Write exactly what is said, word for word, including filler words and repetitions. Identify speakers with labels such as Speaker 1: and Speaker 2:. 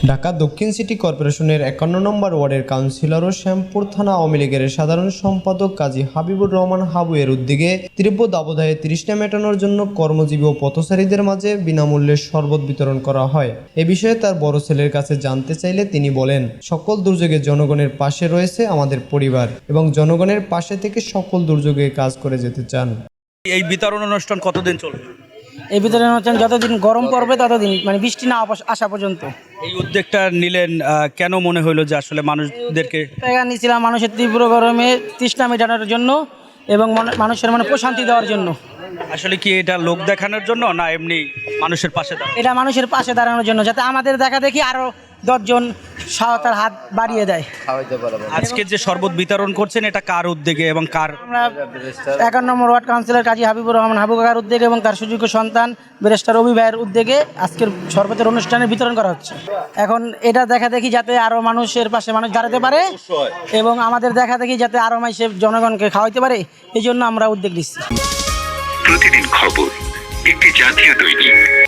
Speaker 1: ঢাকা দক্ষিণ সিটি কর্পোরেশনের একান্ন নম্বর ওয়ার্ডের কাউন্সিলর ও শ্যামপুর থানা আওয়ামী লীগের সাধারণ সম্পাদক কাজী হাবিবুর রহমান হাবু এর উদ্যোগে তীব্র দাবদাহে তৃষ্ণা মেটানোর জন্য কর্মজীবী ও পথচারীদের মাঝে বিনামূল্যে শরবত বিতরণ করা হয়। এ বিষয়ে তার বড় ছেলের কাছে জানতে চাইলে তিনি বলেন, সকল দুর্যোগে জনগণের পাশে রয়েছে আমাদের পরিবার এবং জনগণের পাশে থেকে সকল দুর্যোগে কাজ করে যেতে চান।
Speaker 2: এই বিতরণ অনুষ্ঠান কতদিন চলবে?
Speaker 3: এই বিতরণ অনুষ্ঠান যতদিন গরম পড়বে ততদিন, মানে বৃষ্টি না আসা পর্যন্ত।
Speaker 2: এই উদ্যোগটা নিলেন আহ, কেন মনে হলো যে আসলে মানুষদেরকে
Speaker 3: টাকা নিয়েছিলাম মানুষের তীব্র গরমে তৃষ্ণা মেটানোর জন্য এবং মনে- মানুষের মানে প্রশান্তি দেওয়ার জন্য।
Speaker 2: আসলে কি এটা লোক দেখানোর জন্য না এমনি মানুষের পাশে দাঁড়ানো?
Speaker 3: এটা মানুষের পাশে দাঁড়ানোর জন্য, যাতে আমাদের দেখা দেখি আরও দশজন সহায়তার হাত বাড়িয়ে দেয়।
Speaker 2: আজকে যে শরবত বিতরণ করছেন এটা কার উদ্যোগে এবং কার?
Speaker 3: আমরা একান্ন number ward councillor Kazi Habibur Rahman Habu কাকার উদ্যোগে এবং তার সুযোগ্য সন্তান ব্যারিস্টার রবি ভাইয়ের উদ্যোগে আজকের শরবতের অনুষ্ঠানে বিতরণ করা হচ্ছে। এখন এটা দেখা দেখি যাতে আরও মানুষের পাশে মানুষ দাঁড়াতে পারে এবং আমাদের দেখা দেখি যাতে আরও মানুষের জনগণকে খাওয়াইতে পারে, এই জন্য আমরা উদ্যোগ নিচ্ছি।
Speaker 4: প্রতিদিন খবর, একটি জাতীয় দৈনিক।